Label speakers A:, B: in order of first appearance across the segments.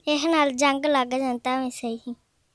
A: ਇਹ ਨਾਲ ਜੰਗ ਲੱਗ ਜਾਂਦਾ ਮੈਂ ਸਹੀ।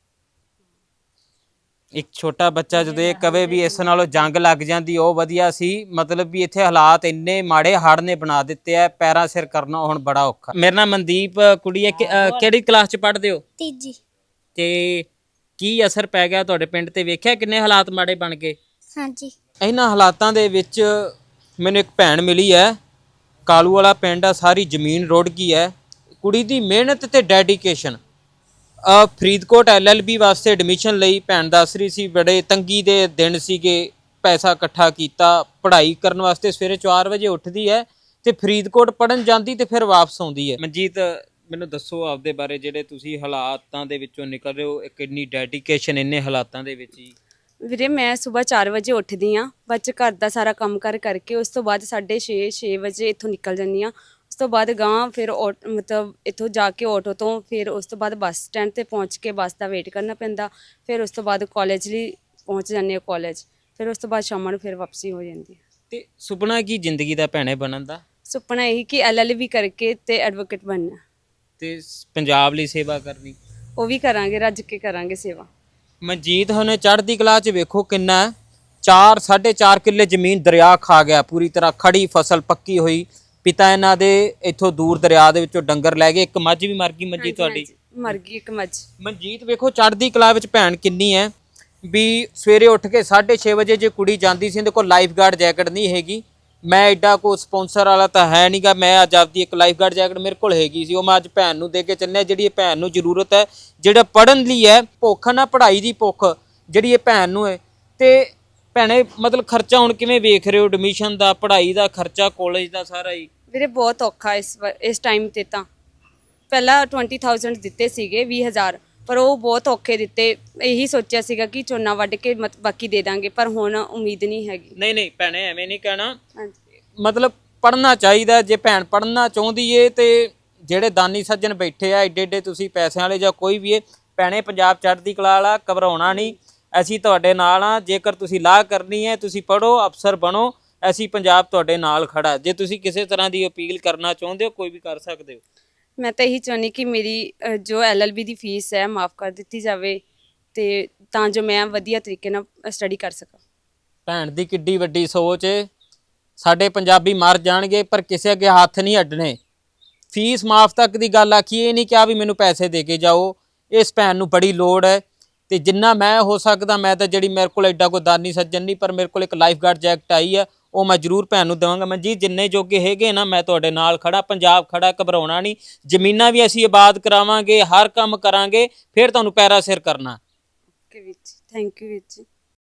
B: ਇੱਕ ਛੋਟਾ ਬੱਚਾ ਜਦੋਂ ਇਹ ਕਵੇ ਵੀ ਇਸ ਨਾਲੋਂ ਜੰਗ ਲੱਗ ਜਾਂਦੀ ਉਹ ਵਧੀਆ ਸੀ, ਮਤਲਬ ਵੀ ਇੱਥੇ ਹਾਲਾਤ ਇੰਨੇ ਮਾੜੇ ਹੜ੍ਹ ਨੇ ਬਣਾ ਦਿੱਤੇ ਆ, ਪੈਰਾਂ ਸਿਰ ਕਰਨਾ ਹੁਣ ਬੜਾ ਔਖਾ। ਮੇਰਾ ਨਾਮ ਮਨਦੀਪ ਕੁੜੀ ਹੈ। ਕਿਹੜੀ ਕਲਾਸ ਚ ਪੜ੍ਹਦੇ ਹੋ?
A: ਤੀਜੀ।
B: ਤੇ ਕੀ ਅਸਰ ਪੈ ਗਿਆ ਤੁਹਾਡੇ ਪਿੰਡ ਤੇ? ਵੇਖਿਆ ਕਿੰਨੇ ਹਾਲਾਤ ਮਾੜੇ ਬਣ ਗਏ।
A: ਹਾਂਜੀ।
B: ਇਹਨਾਂ ਹਾਲਾਤਾਂ ਦੇ ਵਿੱਚ ਮੈਨੂੰ ਇੱਕ ਭੈਣ ਮਿਲੀ ਹੈ, ਕਾਲੂ ਵਾਲਾ ਪਿੰਡ ਆ, ਸਾਰੀ ਜ਼ਮੀਨ ਰੁੜ ਗਈ ਹੈ। ਕੁੜੀ ਦੀ ਮਿਹਨਤ ਤੇ ਡੈਡੀਕੇਸ਼ਨ। ਫਰੀਦਕੋਟ LLB ਵਾਸਤੇ ਐਡਮਿਸ਼ਨ ਲਈ ਭੈਣ ਦੱਸ ਰਹੀ ਸੀ, ਬੜੇ ਤੰਗੀ ਦੇ ਦਿਨ ਸੀਗੇ, ਪੈਸਾ ਇਕੱਠਾ ਕੀਤਾ, ਪੜ੍ਹਾਈ ਕਰਨ ਵਾਸਤੇ ਸਵੇਰੇ 4 ਵਜੇ ਉੱਠਦੀ ਹੈ ਤੇ ਫਰੀਦਕੋਟ ਪੜ੍ਹਨ ਜਾਂਦੀ ਤੇ ਫਿਰ ਵਾਪਸ ਆਉਂਦੀ ਹੈ। ਮਨਜੀਤ, ਮੈਨੂੰ ਦੱਸੋ ਆਪਦੇ ਬਾਰੇ, ਜਿਹੜੇ ਤੁਸੀਂ ਹਾਲਾਤਾਂ ਦੇ ਵਿੱਚੋਂ ਨਿਕਲ ਰਹੇ ਹੋ, ਕਿੰਨੀ ਡੈਡੀਕੇਸ਼ਨ ਇੰਨੇ ਹਾਲਾਤਾਂ ਦੇ ਵਿੱਚ ਹੀ।
C: ਵੀਰੇ ਮੈਂ ਸਵੇਰ 4 ਵਜੇ ਉੱਠਦੀ ਹਾਂ, ਬੱਚ ਘਰ ਦਾ ਸਾਰਾ ਕੰਮ ਕਰਕੇ ਉਸ ਤੋਂ ਬਾਅਦ 6:30 ਵਜੇ ਇੱਥੋਂ ਨਿਕਲ ਜਾਂਦੀ ਹਾਂ। ਉਸ ਤੋਂ ਬਾਅਦ ਗਾਂ ਫਿਰ ਮਤਲਬ ਇੱਥੋਂ ਜਾ ਕੇ ਆਟੋ ਤੋਂ ਫਿਰ ਉਸ ਤੋਂ ਬਾਅਦ ਬੱਸ ਸਟੈਂਡ 'ਤੇ ਪਹੁੰਚ ਕੇ ਬੱਸ ਦਾ ਵੇਟ ਕਰਨਾ ਪੈਂਦਾ। ਫਿਰ ਉਸ ਤੋਂ ਬਾਅਦ ਕਾਲਜ ਲਈ ਪਹੁੰਚ ਜਾਂਦੇ ਹਾਂ ਕਾਲਜ। ਫਿਰ ਉਸ ਤੋਂ ਬਾਅਦ ਸ਼ਾਮਾਂ ਨੂੰ ਫਿਰ ਵਾਪਸੀ ਹੋ ਜਾਂਦੀ ਹੈ।
B: ਤੇ ਸੁਪਨਾ ਕੀ ਜ਼ਿੰਦਗੀ ਦਾ ਭੈਣੇ ਬਣਨ ਦਾ?
C: ਸੁਪਨਾ ਇਹੀ ਕਿ LLB ਕਰਕੇ ਤੇ ਐਡਵੋਕੇਟ ਬਣਨਾ
B: ਤੇ ਪੰਜਾਬ ਲਈ ਸੇਵਾ ਕਰਨੀ।
C: ਉਹ ਵੀ ਕਰਾਂਗੇ, ਰੱਜ ਕੇ ਕਰਾਂਗੇ ਸੇਵਾ।
B: ਮਨਜੀਤ ਹੁਣੇ ਚੜ੍ਹਦੀ ਕਲਾ 'ਚ ਵੇਖੋ ਕਿੰਨਾ 4.5 ਕਿੱਲੇ ਜ਼ਮੀਨ ਦਰਿਆ ਖਾ ਗਿਆ, ਪੂਰੀ ਤਰ੍ਹਾਂ ਖੜੀ ਫਸਲ ਪੱਕੀ ਹੋਈ। ਪਿਤਾ ਇਹਨਾਂ ਦੇ ਇੱਥੋਂ ਦੂਰ ਦਰਿਆ ਦੇ ਵਿੱਚੋਂ ਡੰਗਰ ਲੈ ਗਏ, ਇੱਕ ਮੱਝ ਵੀ ਮਰ ਗਈ। ਮਨਜੀਤ ਤੁਹਾਡੀ
C: ਮਰ ਗਈ ਇੱਕ ਮੱਝ।
B: ਮਨਜੀਤ ਵੇਖੋ ਚੜ੍ਹਦੀ ਕਲਾ ਵਿੱਚ ਭੈਣ ਕਿੰਨੀ ਹੈ ਵੀ ਸਵੇਰੇ ਉੱਠ ਕੇ 6:30 ਵਜੇ ਜੇ ਕੁੜੀ ਜਾਂਦੀ ਸੀ, ਇਹਦੇ ਕੋਲ ਲਾਈਫ ਗਾਰਡ ਜੈਕਟ ਨਹੀਂ ਹੈਗੀ। ਮੈਂ ਐਡਾ ਕੋਈ ਸਪਾਂਸਰ ਵਾਲਾ ਤਾਂ ਹੈ ਨਹੀਂਗਾ, ਮੈਂ ਅੱਜ ਆਪਦੀ ਇੱਕ ਲਾਈਫ ਗਾਰਡ ਜੈਕਟ ਮੇਰੇ ਕੋਲ ਹੈਗੀ ਸੀ, ਉਹ ਮੈਂ ਅੱਜ ਭੈਣ ਨੂੰ ਦੇ ਕੇ ਚੱਲਿਆ। ਜਿਹੜੀ ਭੈਣ ਨੂੰ ਜ਼ਰੂਰਤ ਹੈ, ਜਿਹੜਾ ਪੜ੍ਹਨ ਲਈ ਹੈ, ਭੁੱਖ ਨਾ ਪੜ੍ਹਾਈ ਦੀ ਭੁੱਖ ਜਿਹੜੀ ਇਹ ਭੈਣ ਨੂੰ ਹੈ। ਤੇ ਭੈਣੇ ਮਤਲਬ ਖਰਚਾ ਹੁਣ ਕਿਵੇਂ ਵੇਖ ਰਹੇ ਹੋ? ਐਡਮਿਸ਼ਨ ਦਾ, ਪੜ੍ਹਾਈ ਦਾ ਖਰਚਾ, ਕਾਲਜ ਦਾ ਸਾਰਾ ਹੀ।
C: ਵੀਰੇ ਬਹੁਤ ਔਖਾ ਇਸ ਟਾਈਮ 'ਤੇ ਤਾਂ। ਪਹਿਲਾਂ 20,000 ਦਿੱਤੇ ਸੀਗੇ, 20,000, ਪਰ ਉਹ ਬਹੁਤ ਔਖੇ ਦਿੱਤੇ। ਇਹੀ ਸੋਚਿਆ ਸੀਗਾ ਕਿ ਝੋਨਾ ਵੱਢ ਕੇ ਬਾਕੀ ਦੇ ਦਾਂਗੇ, ਪਰ ਹੁਣ ਉਮੀਦ ਨਹੀਂ ਹੈਗੀ।
B: ਨਹੀਂ ਭੈਣੇ ਐਵੇਂ ਨਹੀਂ ਕਹਿਣਾ,
C: ਹਾਂਜੀ।
B: ਮਤਲਬ ਪੜ੍ਹਨਾ ਚਾਹੀਦਾ। ਜੇ ਭੈਣ ਪੜ੍ਹਨਾ ਚਾਹੁੰਦੀ ਏ ਤੇ ਜਿਹੜੇ ਦਾਨੀ ਸੱਜਣ ਬੈਠੇ ਆ ਏਡੇ ਏਡੇ, ਤੁਸੀਂ ਪੈਸਿਆਂ ਵਾਲੇ ਜਾਂ ਕੋਈ ਵੀ ਏ, ਭੈਣੇ ਪੰਜਾਬ ਚੜ੍ਹਦੀ ਕਲਾ ਵਾਲਾ, ਘਬਰਾਉਣਾ ਨਹੀਂ, ਅਸੀਂ ਤੁਹਾਡੇ ਨਾਲ ਆ। ਜੇਕਰ ਤੁਸੀਂ ਲਾਹ ਕਰਨੀ ਹੈ, ਤੁਸੀਂ ਪੜ੍ਹੋ, ਅਫਸਰ ਬਣੋ, ਅਸੀਂ ਪੰਜਾਬ ਤੁਹਾਡੇ ਨਾਲ ਖੜਾ। ਜੇ ਤੁਸੀਂ ਕਿਸੇ ਤਰ੍ਹਾਂ ਦੀ ਅਪੀਲ ਕਰਨਾ ਚਾਹੁੰਦੇ ਹੋ, ਕੋਈ ਵੀ ਕਰ ਸਕਦੇ ਹੋ।
C: ਮੈਂ ਤਾਂ ਇਹੀ ਚਾਹੁੰਦੀ ਕਿ ਮੇਰੀ ਜੋ LLB ਦੀ ਫੀਸ ਹੈ ਮਾफ़ ਕਰ ਦਿੱਤੀ ਜਾਵੇ, ਤੇ ਤਾਂ ਜੋ ਮੈਂ ਵਧੀਆ ਤਰੀਕੇ ਨਾਲ ਸਟੱਡੀ ਕਰ ਸਕਾਂ।
B: ਭੈਣ ਦੀ ਕਿੱਡੀ ਵੱਡੀ ਸੋਚ ਏ। ਸਾਡੇ ਪੰਜਾਬੀ ਮਰ ਜਾਣਗੇ ਪਰ ਕਿਸੇ ਅੱਗੇ ਹੱਥ ਨਹੀਂ ਅੱਡਣੇ। ਫੀਸ ਮਾਫ ਤੱਕ ਦੀ ਗੱਲ ਆਖੀ, ਇਹ ਨਹੀਂ ਕਿਹਾ ਵੀ ਮੈਨੂੰ ਪੈਸੇ ਦੇ ਕੇ ਜਾਓ। ਇਸ ਭੈਣ ਨੂੰ ਬੜੀ ਲੋੜ ਹੈ ਤੇ ਜਿੰਨਾ ਮੈਂ ਹੋ ਸਕਦਾ, ਮੈਂ ਤਾਂ ਜਿਹੜੀ ਮੇਰੇ ਕੋਲ ਐਡਾ ਕੋਈ ਦਾਨੀ ਸੱਜਣ ਨਹੀਂ, ਪਰ ਮੇਰੇ ਕੋਲ ਇੱਕ ਲਾਈਫ ਗਾਰਡ ਜੈਕਟ ਆਈ ਹੈ, ਉਹ ਮੈਂ ਜ਼ਰੂਰ ਭੈਣ ਨੂੰ ਦੇਵਾਂਗਾ। ਮਨਜੀਤ ਜਿੰਨੇ ਜੋਗੇ ਹੈਗੇ ਨਾ, ਮੈਂ ਤੁਹਾਡੇ ਨਾਲ ਖੜਾ, ਪੰਜਾਬ ਖੜਾ, ਘਬਰਾਉਣਾ ਨਹੀਂ। ਜ਼ਮੀਨਾਂ ਵੀ ਅਸੀਂ ਆਬਾਦ ਕਰਾਵਾਂਗੇ, ਹਰ ਕੰਮ ਕਰਾਂਗੇ, ਫਿਰ ਤੁਹਾਨੂੰ ਪੈਰਾ ਸਿਰ ਕਰਨਾ।
C: ਓਕੇ ਵੀਰ ਜੀ, ਥੈਂਕ ਯੂ ਵੀਰ ਜੀ।